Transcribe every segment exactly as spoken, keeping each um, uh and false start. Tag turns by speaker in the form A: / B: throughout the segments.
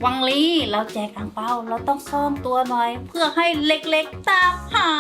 A: วังลีเราแจกอั่งเปาเราต้องซ่อนตัวหน่อยเพื่อให้เล็กๆตามหา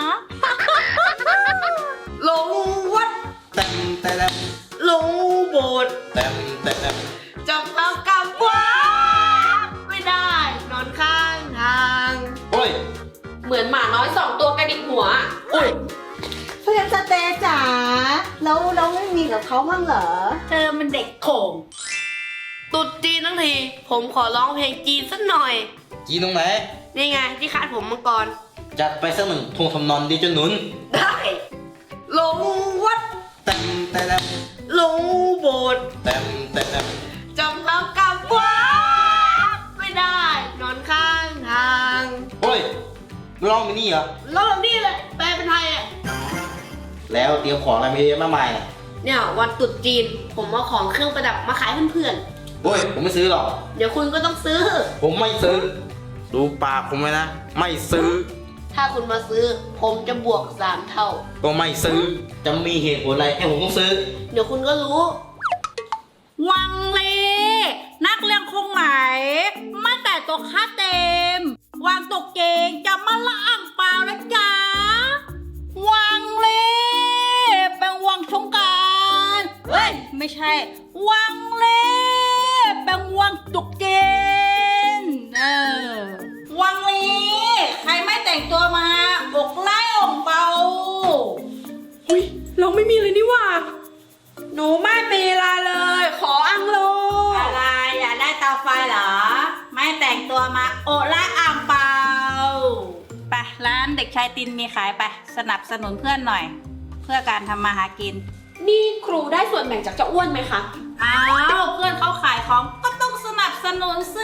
B: ลงวัด
C: เต็มเต็ม
B: ลงโบสถ์
C: เต็มเต็ม
B: จับเอากลับวัดไม่ได้นอนข้างทาง
C: โอ้ย
D: เหมือนหมาน้อยสองตัวกระดิกหัว
C: โอ้ย
E: เพื่อนสเตย์จ๋าแล้วเราไม่มีกับเขาบ้างเหรอ
A: เธอมันเด็กโขง
B: ตรุษจีนทั้งที ผมขอร้องเพลงจีนสักหน่อย
C: จีนตรงไหน
B: นี่ไงที่คาดผมมังกร
C: จัดไปสักหนึ่งทงทำนอนดีจนหนุน
B: ได้ลงวัด
C: เต็มเต็ม
B: ลงโบสถ์
C: เต็มเต็ม
B: จำเอากลับวัดไม่ได้นอนข้างทาง
C: โอ้ยร้องมินี่เหรอ
B: แล้วแบบนี้เลยแปลเป็นไทยอ่ะ
C: แล้วเตรียมของอะไรมาเยอะมากมายเนี่ย
B: เนี่ยวันตรุษจีนผมเอาของเครื่องประดับมาขายเพื่อน
C: โอ้ยผมไม่ซื้อหรอก
B: ๆเดี๋ยวคุณก็ต้องซื้อ
C: ผมไม่ซื้อ ดูปากผมไว้นะ ไม่ซื้อ
B: ถ้าคุณมาซื้อ ผมจะบวกสามเท่า
C: ก็ไม่ซื้อ จะมีเหตุผลอะไรให้ผมต้องซื้อ
B: เดี๋ยวคุณก็รู้
A: วังลีนักเรียนคงไหนไม่แต่ตัวค่าเต็ม วางตกเกงจะมาละอ่างเปล่านะจ๊ะวังลีเป็นวังชงการเฮ้ยไม่ใช่ วังลีเป็นวังตกเกงเออวังลีใครไม่แต่งตัวมาอกไล่องเบา
D: อุ้ยเราไม่มีเลยนี่หว่า หนูไม่มีเวลาเลย ขออังโล
A: อะไรอยากได้เตาไฟเหรอ ไม่แต่งตัวมาโอละอ่างเปล่าไปร้านเด็กชายตินมีขายไปสนับสนุนเพื่อนหน่อย เพื่อการทำมาหากิน
D: นี่ครูได้ส่วนแบ่งจากเจ้าอ้วนไหมคะ
A: อ้าวเพื่อนเขาขายของก็ต้องสนับสนุนสิ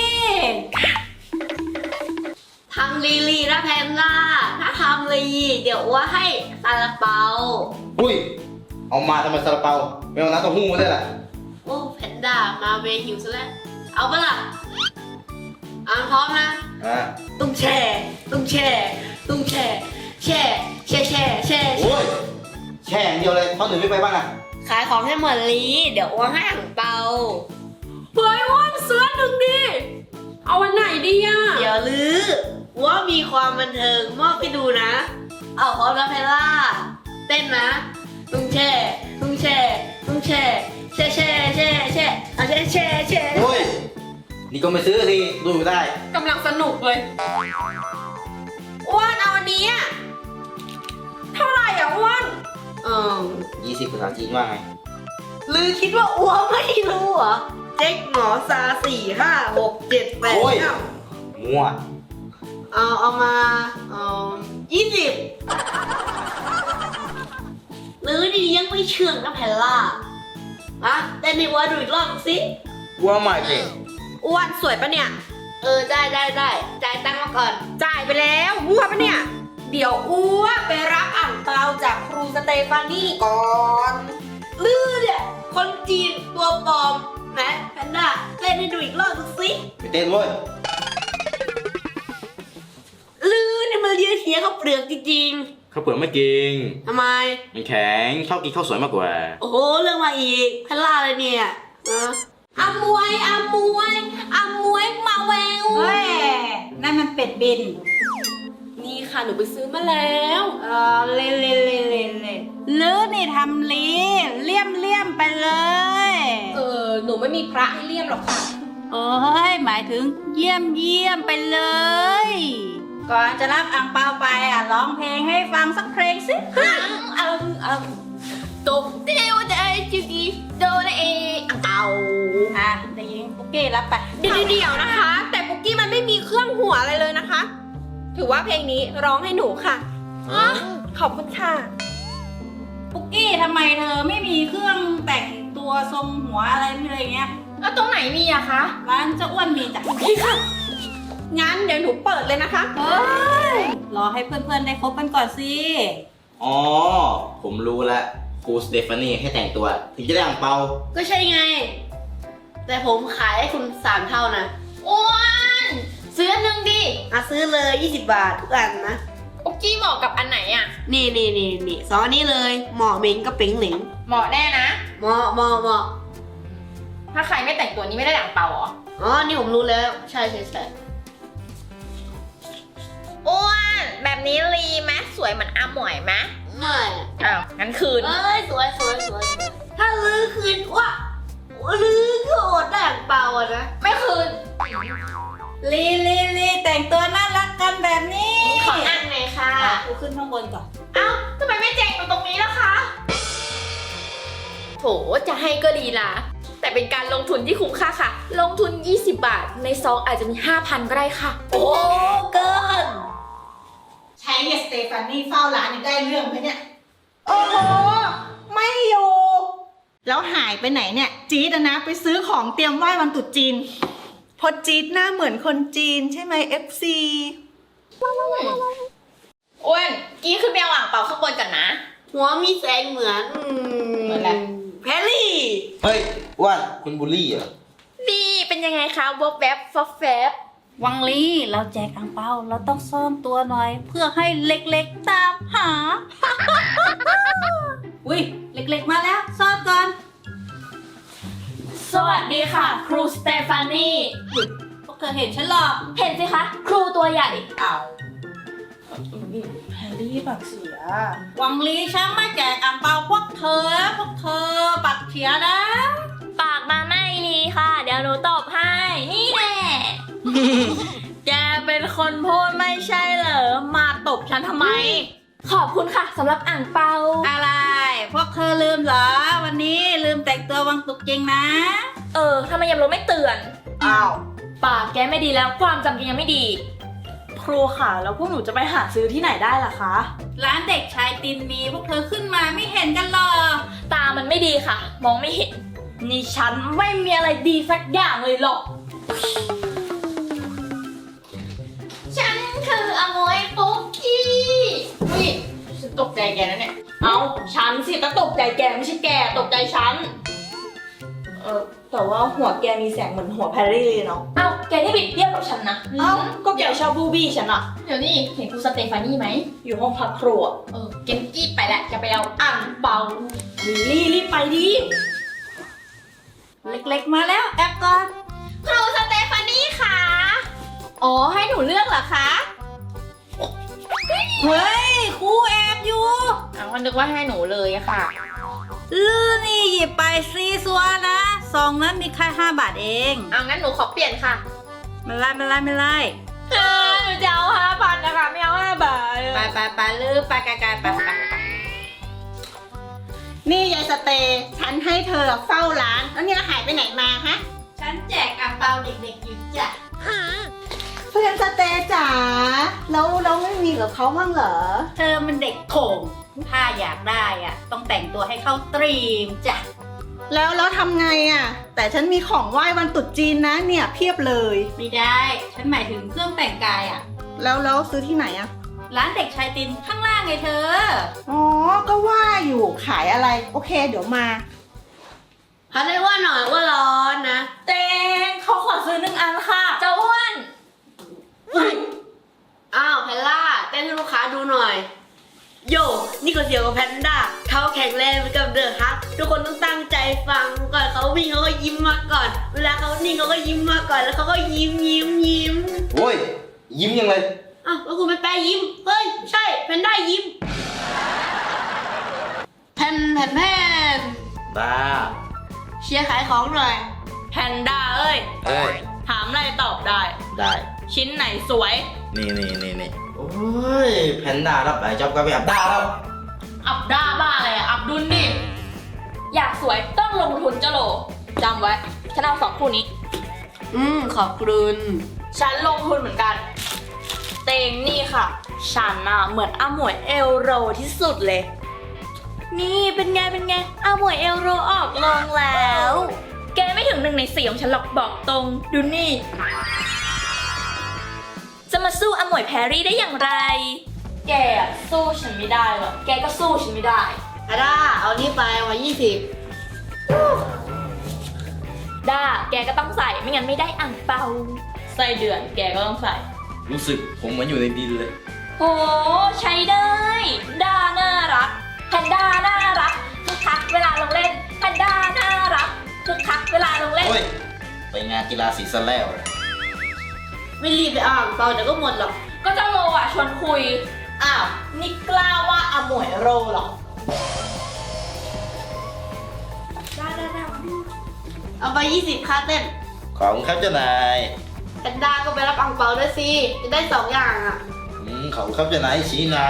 B: ทำลีลีนะแพนล่าถ้าทำลีเดี๋ยวว่าให้ซาลาเปา
C: อุ้ย เอามาทำไมซาลาเปาไม่เอาน้ำเต้าหู้มาด้วยล่ะ
B: โอ้แพนด้ามาเวหิวซะแล้ว เอาปะล่ะอ่านพร้อมนะ
C: อ่า
B: ตุ้งแช่ตุ้งแช่ตุ้งแช่แช่แช่แช่แช่
C: โอ้ย แช่อย่างเดียวเลยท่อนหนึ่งไม่ไปบ้างอ่ะ
B: ขายของให้หมดลีเดี๋ยวว่าให้อ่างเปา
D: เฮ้ยอ้วนเสื้อหนึ่งดิ เอาวันไหนดีอ่ะ
B: เดี๋ยวลือว่ามีความบันเทิงมอบให้ดูนะ เอาพร้อมนะแพนล่า เต้นนะ ตุ้งแช่ตุ้งแช่ตุ้งแช่แช่แช่แช่แช่เอาแช่แช่แช่
C: โอ้ย นี่ก็ไม่ซื้อทีดูอยู่ได้
D: กำลังสนุกเลยอ้วนเอาอันนี้อะเท่าไหร่อ่ะอ้วน
B: เออ
C: ยี่สิบภาษาจีนว่าไง
B: ลือคิดว่าอ้วไม่รู้เหรอ เจ๊กหมอซาสี่ห้าหกเจ็ดแปด
C: โอ้ย
B: เก้า
C: มั่ว
B: เอาเอามาเอ่อยี่สิบหรือดียังไม่เชื่องนะแพนล่าอะเต้นในวัวดูอีกรอบสิ
C: ว่าไม่เก่ง
D: อ้วนสวยปะเนี่ย
B: เออ ได้ได้ได้จ่ายตังค์มาก่อน
D: จ่ายไปแล้วมั่วปะเนี่ย เดี๋ยวอ้วนไปรับอ่างเปาจากครูสเตฟานี่ก่อน
B: ลือเนี่ยคนจีนตัวปลอมแหมแพนด้าเต้นให้ดูอีกรอบสิ
C: ไปเต้นเว้ย
B: ลือเนี่ยมันเลียเทียเขาวเปลือกจริง
C: ข้าวเปลือกไม่เก่ง
B: ๆทำไม
C: มันแข็งชอบกินข้าวสวยมากกว่า
B: โอ้โห เรื่องมาอีกแพนล่าเลยเนี่ยเออ
D: อามวยอามวยอามวยมาแวว
A: เฮ้ยนั่นมันเป็ดบิน
D: นี่ค่ะหนูไปซื้อมาแล้ว
A: เออเล่เล่เล่เล่เล่ลือนี่ทำลีเลี่ยมเลี่ยมไปเลย
D: เออหนูไม่มีพระให้เลี่ยมหรอกค่ะ
A: เอ้ยหมายถึงเยี่ยมเยี่ยมไปเลย ก่อนจะรับอ่างเปาไปอ่ะร้องเพลงให้ฟังสักเพลงสิ
D: อังอังโตเดวเดจิกีโดเออังเตา
A: อ่ะเด็กหญิงปุ๊กกี้รับไป
D: เดี๋ยวเดี๋ยวนะคะ แต่ปุกกี้มันไม่มีเครื่องหัวอะไรเลยนะคะ ถือว่าเพลงนี้ร้องให้หนูค่ะอ่ะขอบคุณค่ะ
A: ปุ๊กกี้ทำไมเธอไม่มีเครื่องแต่งตัวทรงหัวอะไรอะไรเงี้ย
D: แล้วตรงไหนมีอะคะ
A: ร้านเจ้าอ้วนมีจ้ะ
D: นี่ค่ะ งั้นเดี๋ยวหนูเปิดเลยนะคะ
A: เฮ้ยรอให้เพื่อนๆได้คบกันก่อนสิ
C: อ๋อ ผมรู้แล้วครูสเตฟานี่ให้แต่งตัว ถึงจะได้อ่างเปา
B: ก็ใช่ไง แต่ผมขายให้คุณสามเท่านะ
D: อ้วนซื้ออันหนึ่งดิ
B: อ่ะซื้อเลยยี่สิบบาททุกอันนะ
D: ปุกกี้เหมาะกับอันไหนอะ
B: นี่นี่นี่นี่สองอันนี้เลยเหมาะเหม็งกับเป๋งเหลิง
D: เหมาะแน่นะ
B: เหมาะเหมาะเหมาะ
D: ถ้าใครไม่แต่งตัวนี้ไม่ได้อ่างเปาเหรอ
B: ไอ๋อ นี่ผมรู้แล้ว ใช่ใช่ใช่
F: อ้วนแบบนี้รีไหมสวยเหมือนอาหมวยไหม
B: ไม่
F: อ้าวงั้นคืน
B: เอ้ย สวยสวยสวยสวยถ้าลื้อคืนว่าลื้อโกรธได้อย่างเปล่าอะนะ
F: ไม่คืน
A: ลีลีลีแต่งตัวน่ารักกันแบบนี้
F: ขออันหน่อยค่ะ
A: อ่ะกูขึ้นข้างบนก่อน
F: เอ้าทำไมไม่แจกอยู่ตรงนี้ล่ะคะ โถจะให้ก็ดีละแต่เป็นการลงทุนที่คุ้มค่าค่ะ ลงทุน ยี่สิบบาท ในซองอาจจะมี ห้าพัน ก็ได้ค่ะ
A: โอ้เกิน
E: ใช้เนี่ยสเตฟานี่เฝ้าร้านยังได้เรื่องไหมเนี่ย โอ้โห ไม่อยู่ แล้วหายไปไหนเนี่ย จี๊ดอะนะไปซื้อของเตรียมไหว้วันตรุษจีน พอจี๊ดหน้าเหมือนคนจีนใช่ไหม เอฟ ซี
F: อ้วนกี้ขึ้นไปเอาอ่างเปาข้างบนก่อนนะ
B: หัวมีแสงเหมือนอืม
F: เหมือนอะไร
B: แพรรี่
C: เฮ้ยอ้วนคุณบูลลี่เหรอ
F: นี่เป็นยังไงคะวบแวบฟอบแฟบ
A: วังลีเราแจกอังเปาเราต้องซ่อนตัวหน่อย เพื่อให้เล็กๆตามหา อุ้ยเล็กๆมาแล้ว ซ่อนก่อน
F: สวัสดีค่ะ ครูสเตฟานี
A: พวกเธอเห็นฉันหรอ
F: เห็นสิคะ ครูตัวใหญ่
A: อ้าวแฮร์รี่ปากเสีย วังลีฉันมาแจกอังเปาพวกเธอ พวกเธอปากเสียนะ
F: ปากมาไม่ดีค่ะ เดี๋ยวหนูตบให้ นี่แน่
A: แกเป็นคนพูดไม่ใช่เหรอ มาตบฉันทำไม
F: ขอบคุณค่ะสำหรับอ่างเปา
A: อะไร พวกเธอลืมเหรอ วันนี้ลืมแต่งตัววังตุกจริงนะ
F: เออทำไมยังรู้ไม่เตือน
A: อ้าว
F: ปากแกไม่ดีแล้วความจำแกยังไม่ดี
G: ครูค่ะ แล้วพวกหนูจะไปหาซื้อที่ไหนได้ล่ะคะ
A: ร้านเด็กชายตินมีพวกเธอขึ้นมาไม่เห็นกันหรอ
F: ตามันไม่ดีค่ะ มองไม่เห็น
G: นี่ฉันไม่มีอะไรดีสักอย่างเลยหรอก
F: ฉันคืออโมยปุ๊กกี้อุ้ยฉันตกใจแกนะเนี่ย
G: เอาฉันสิก็ตกใจแกไม่ใช่แกตกใจฉัน เออแต่ว่าหัวแกมีแสงเหมือนหัวแพรรี่เลยเนาะ
F: เอ้าแกนี่บิดเบี้ยวกับฉันนะ
G: เอ้าก็แกชอบบูบี้ฉันอะ
F: เดี๋ยวนี่เห็นครูสเตฟานี่ไหม
G: อยู่ห้องพักครัว
F: เออเกนกี้ไปแหละจะไปเอาอ่างเปา
G: ลิลลี่รีบไปดิ
A: เล็กๆมาแล้วแอบก่อน
F: ครูสเตฟานี่ค่ะ อ๋อให้หนูเลือกเหรอคะ
A: เฮ้ยครูแอบอยู่
F: อ้าวนึกว่าให้หนูเลยอะค่ะ
A: ลือนี่หยิบไปซีซัวนะซองนั้นมีแค่ห้าบาทเอง
F: เอางั้นหนูขอเปลี่ยนค่ะ
A: ไม่ไล่ไม่ไล่ไม่ไล่
F: เออหนูจะเอาห้าพันนะคะไม่เอาห้าบาท
A: ไปไปไปลือไปไกลๆไปไป
E: นี่ยายสเตย์ฉันให้เธอเฝ้าร้าน แล้วเนี่ยหายไปไหนมาฮะ
A: ฉันแจกอังเปาเด็กๆอยู่จ้ะ
E: เพื่อนสเตย์จ๋าแล้วเราไม่มีกับเขาบ้างเหรอ
A: เธอมันเด็กโขงถ้าอยากได้อ่ะ ต้องแต่งตัวให้เข้าตรีมจ้ะ
E: แล้วแล้วทำไงอ่ะ แต่ฉันมีของไหว้วันตรุษจีนนะเนี่ยเพียบเลย
A: ไม่ได้ ฉันหมายถึงเครื่องแต่งกายอ่ะ
E: แล้วแล้วซื้อที่ไหนอ่ะ
A: ร้านเด็กชายตินข้างล่างไงเธอ
E: อ๋อ ก็ว่าอยู่ขายอะไร โอเค เดี๋ยวมา
B: เขาได้ว่าหน่อยว่าร้อนนะ
G: เตงเขาขอซื้อหนึ่งอันค่ะ
F: เจ้าอ้วน
B: อ้าวแพนล่าเต้นให้ลูกค้าดูหน่อย โยนี่ก็เสียวกับแพนด้าเขาแข็งแรงเหมือนกับเดอะฮักทุกคนต้องตั้งใจฟังก่อนเขาวิ่งเขาก็ยิ้มมาก่อน เวลาเขานิ่งเขาก็ยิ้มมาก่อนแล้วเขาก็ยิ้มยิ้มยิ้ม
C: โอ้ย ยิ้มยังเลย
B: อ้าวแล้วคุณเป็นแปรยิ้มเฮ้ยใช่แพนด้ายิ้มแพนแพนแพน
C: บ้า
B: เชียร์ขายของหน่อย
G: แพนด้าเอ้ย
C: เอ้ย
G: ถามอะไรตอบได้
C: ได้
G: ชิ้นไหนสวย
C: นี่นี่นี่นี่โอ้ย แพนด้ารับหลายจ็อบก็ไปอับด้าแล้ว
G: อับด้าบ้าอะไรอะอับดุลดิ
F: อยากสวยต้องลงทุนเจ้าโหลจำไว้ ฉันเอาสองคู่นี้
B: อืมขอบคุณ
G: ฉันลงทุนเหมือนกัน เตงนี่ค่ะ ฉันอะเหมือนอาหมวยเอลโรที่สุดเลย นี่เป็นไงเป็นไงอาหมวยเอลโรออกลงแล้ว
F: แกไม่ถึงหนึ่งในสี่ของฉันหรอกบอกตรง ดูนี่ จะมาสู้อมวยแพรรี่ได้อย่างไร
G: แกอะสู้ฉันไม่ได้หรอกแกก็สู้ฉันไม่ได้
B: อาด้าเอานี่ไปวันยี่สิบ
F: ด้า แกก็ต้องใส่ไม่งั้นไม่ได้อ่างเปา
G: ไส้เดือนแกก็ต้องใส่
C: รู้สึกผมเหมือนอยู่ในดินเลย
F: โห ใช้ได้ ด้าน่ารักแพนด้าน่ารักคึกคักเวลาลงเล่นแพนด้าน่ารักคึกคักเวลาลงเล่น
C: โอ้ยไปงานกีฬาสีซะแล้ว
B: ไม่รีบไปอ่างเปล่าเดี๋ยวก็หมดหรอก
F: ก็เจ้าโลอ่ะชวนคุย
G: อ้าว นี่กล้าว่าอาหมวยโรเหรอ
B: เอาไปยี่สิบค่าเต้น
C: ขอบคุณครับเจ้านาย
B: แพนด้าก็ไปรับอ่างเปาด้วยสิ จะได้สองอย่างอ่ะ
C: อืมขอบคุณครับเจ้านายชี้น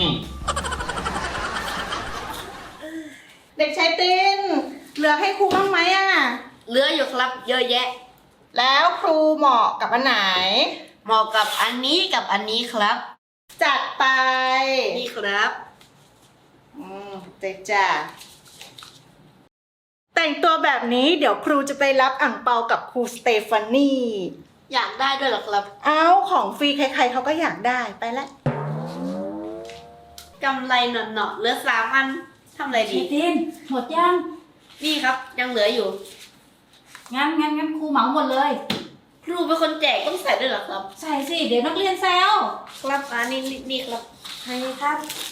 E: เด็กชายตินเหลือให้ครูบ้างไหมอ่ะ
B: เหลืออยู่ครับ เยอะแยะ
E: แล้วครูเหมาะกับอันไหน
B: เหมาะกับอันนี้กับอันนี้ครับ
E: จัดไป
B: นี่ครับ
E: อืมเจ๊จ้าแต่งตัวแบบนี้เดี๋ยวครูจะไปรับอ่างเปากับครูสเตฟานี
B: อยากได้ด้วยเหรอครับ
E: เอาของฟรีใครๆเขาก็อยากได้ไปละ
B: กำไรหนอๆเหลือสามอันทำอะไรดี
A: ตินหมดยัง
B: นี่ครับ ยังเหลืออยู่
A: งั้นงั้นงั้นครูเหมาหมดเลย
B: ครูเป็นคนแจกต้องใส่ด้วยเหรอครับ
A: ใส่สิ เดี๋ยวนักเรียนแซว
B: ครับอันนี้นี่ครับ
A: ใช่ครับ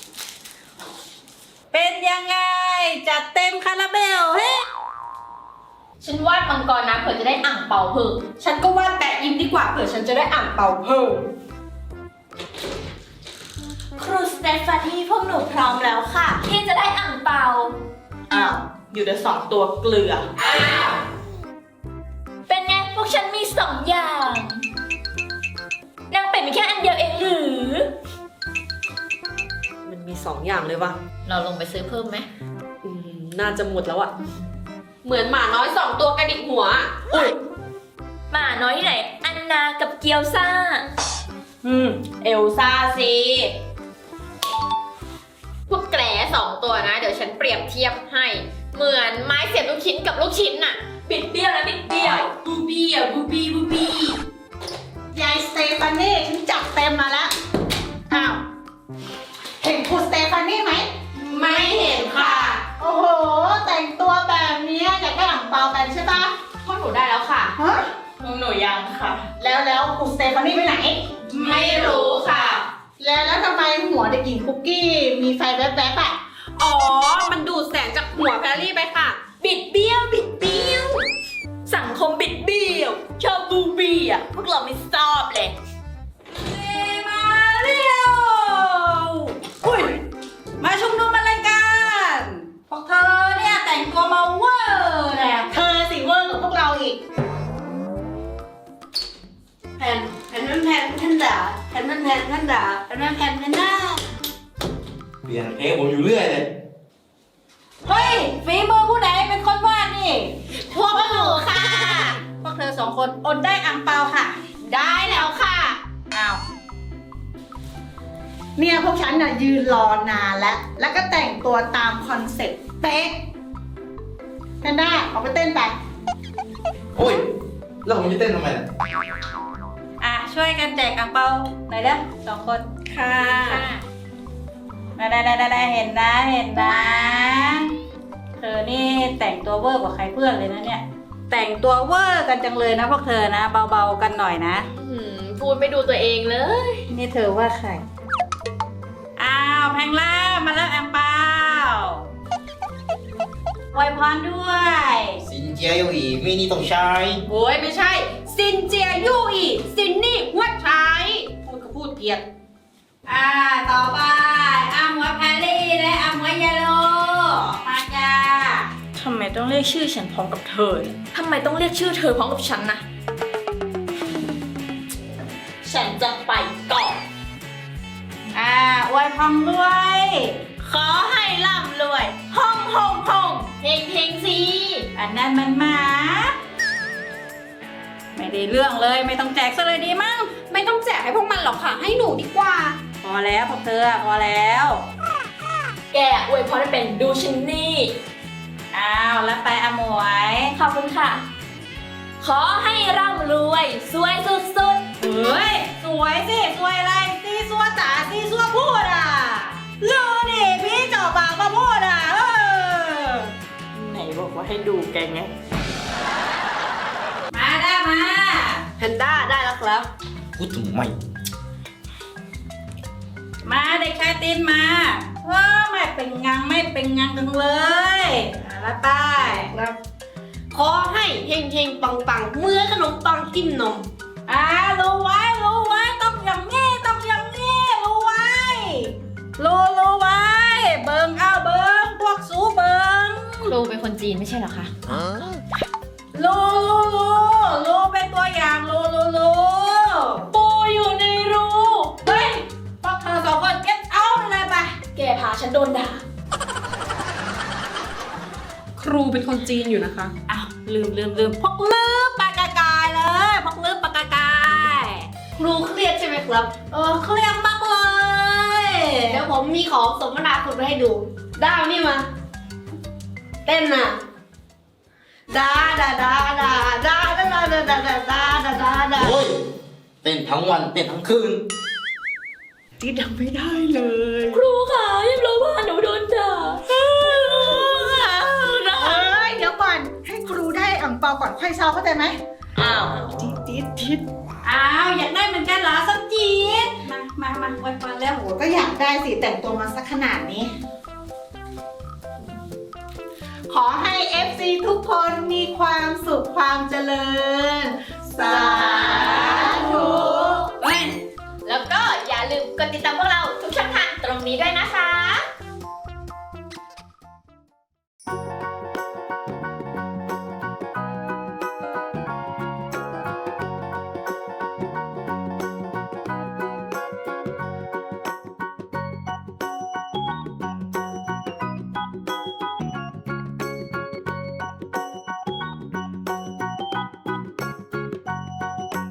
A: เป็นยังไง จัดเต็มคาราเบลเฮ้
F: ฉันวาดมังกรนะเผื่อจะได้อ่างเปาเพิ่ม
D: ฉันก็วาดแปะยิ้มดีกว่าเผื่อฉันจะได้อ่างเปาเพิ่ม
G: ครูสเตฟานีพวกหนูพร้อมแล้วค่ะ
F: ที่จะได้อ่างเปา
G: อ้าว อยู่แต่สองตัวเกลือ
F: เป็นไงพวกฉันมีสองอย่างนางเป็ดมีแค่อันเดียวเองหรือ
D: มันมีสองอย่างเลยวะ
F: เราลงไปซื้อเพิ่มไหม
D: อืม น่าจะหมดแล้วอะเหมือนหมาน้อยสองตัวกระดิกหัว อุ้ย
F: หมาน้อยที่ไหน อันนากับเกียวซ่า
D: อืม เอลซ่าสิ
F: พวกแกลสองตัวนะ เดี๋ยวฉันเปรียบเทียบให้ เหมือนไม้เสียบลูกชิ้นกับลูกชิ้นน่ะ บิดเบี้ยวนะบิดเบี้ยวบูบี้อ่ะบูบี้บูบี้
E: ยายสเตฟานี่ฉันจัดเต็มมาแล้ว อ้าว เห็นครูสเตฟานี่ไหม
D: ไม่เห็นค่ะ
E: โอ้โห แต่งตัวแบบนี้อยากได้อ่างเปากันใช่ปะ
G: พวกหนูได้แล้วค่ะ
E: ฮะ
G: พวกหนูยังค่ะ
E: แล้วแล้วครูสเตฟานี่ไปไหน
G: ไม่รู้ค่ะ
E: แล้วแล้วทำไมหัวเด็กหญิงคุกกี้มีไฟแวบๆอ่ะ
D: อ๋อ มันดูดแสงจากหัวแพรรี่ไปค่ะ
F: บิดเบี้ยวบิดเบี้ยว สังคมบิดเบี้ยว ชอบบูบี้อ่ะ พวกเราไม่ชอบเลย
A: มาเร็วอุ้ย มาชุมนุมอะไรกันพวกเธอเนี่ยแต่งตัวมาเวอร์แหละ
E: เธอสิเวอร์กับพวกเราอีก
B: แผ่นแผ่นแผ่นแผ่นด่าแผ่นแผ่นแผ่นแผ่นด่าแผ่นแผ่นแผ่นแผ่นด่า
C: ำเปลี่ยนเพลงผมอยู่เรื่อยเลย
A: เฮ้ยฝีมือผู้ใดเป็นคนวาดนี่
B: พวกหนูค่ะ
A: พวกเธอสองคนอดได้อ่างเปาค่ะ
B: ได้แล้วค่ะ
A: อ้าว
E: เนี่ยพวกฉันน่ะยืนรอนานแล้ว แล้วก็แต่งตัวตามคอนเซ็ปต์เป๊ะแพนด้าออกไปเต้นไป
C: โอ้ย แล้วผมจะเต้นทำไมล่ะ
A: อ่ะ ช่วยกันแจกอ่างเปาหน่อยเด้อสองคน
D: ค่ะ
A: ได้ได้ได้ได้เห็นนะเห็นนะ เธอนี่แต่งตัวเวอร์กว่าใครเพื่อนเลยนะเนี่ย แต่งตัวเวอร์กันจังเลยนะพวกเธอนะ เบาๆกันหน่อยนะ
F: หืมพูดไม่ดูตัวเองเลย
A: นี่เธอว่าใคร อ้าวแพงล่ามาแล้วแอมเปาอวยพรด้วย
C: สินเจียอยู่อีกไม่นี่ต้องใช้
D: โอ้ยไม่ใช่ ซินเจียยู่อีซินนี่หัวใช้พูดก็พูดเพี้ยน
A: อ่า ต่อไปอาหมวยแพรรี่และอาหมวยยาโลมาจ้า
G: ทำไมต้องเรียกชื่อฉันพร้อมกับเธอเนี่ย
F: ทำไมต้องเรียกชื่อเธอพร้อมกับฉันนะ ฉันจะไปก่อน
A: อ่าอวยพรด้วย
F: ขอให้ร่ำรวย ห้องห้องห้องเฮงเฮงสิ
A: อันนั้นมันหมา ไม่ได้เรื่องเลยไม่ต้องแจกซะเลยดีมั้ง
D: ไม่ต้องแจกให้พวกมันหรอกค่ะ ให้หนูดีกว่า
A: พอแล้วพวกเธอพอแล้ว
F: แกอวยพรให้เป็นดูชินนี่
A: อ้าวแล้วไปอาหมวย
F: ขอบคุณค่ะ ขอให้ร่ำรวย สวยสุด
A: เฮ้ย สวยสิ สวยอะไรซีซัวจ๋าซีซัวพูดอ่ะรู้ดิพี่เจ่อปากมาพูดอ่ะเออ
G: ไหนบอกว่าให้ดูแกไง
A: มาได้มา
B: แพนด้าได้แล้วครับ
C: พูดทำไม
A: มาเด็กชายตีนมาเออไม่เป็นงังไม่เป็นงังกันเลยอ่ะแล้วไป
B: ครับขอให้เฮงเฮงปังปังๆเมื่อขนมปังจิ้มนม
A: อ่ารู้ไว้รู้ไว้ต้องอย่างนี้ต้องอย่างนี้รู้ไว้รู้รู้ไว้เบิงเอาเบิงพวกสูเบิง
F: ครูเป็นคนจีนไม่ใช่เหรอคะ
A: รู้รู้รู้รู้เป็นตัวอย่างรู้รู้รู้
F: ปูอยู่ในรู
A: เฮ้ยพวกเธอสองคนเก็บเอาไปเลยไป
F: แกพาฉันโดนด่า
D: ครูเป็นคนจีนอยู่นะคะ
A: อ้าวลืมลืมลืมพวกลืมปากกากายเลยพวกลืมปากกากาย
B: ครูเครียดใช่ไหมครับ
A: เออเครียดมากเลย
B: เดี๋ยวผมมีของสมนาคุณมาให้ดู ด้าวนี่มา เต้นน่ะดาดาดาดาดาดาดาดาดาดาดาดาดาดา
C: โอ้ย เต้นทั้งวันเต้นทั้งคืน
D: จีดทำไม่ได้เลย
F: ครูค่ะยังรู้ว่าหนูโดนด่า
E: เอ้ยเดี๋ยวก่อนให้ครูได้อ่างเปาก่อนค่อยเศร้าเข้าใจไหม
B: อ้าว
E: จี๊ดจี๊ดจี๊ด
A: อ้าวอยากได้เหมือนกันเหรอสักจีดมามามาไว้มาแล้ว
E: โหก็อยากได้สิแต่งตัวมาสักขนาดนี้ ขอให้ เอฟ ซี ทุกคนมีความสุขความเจริญ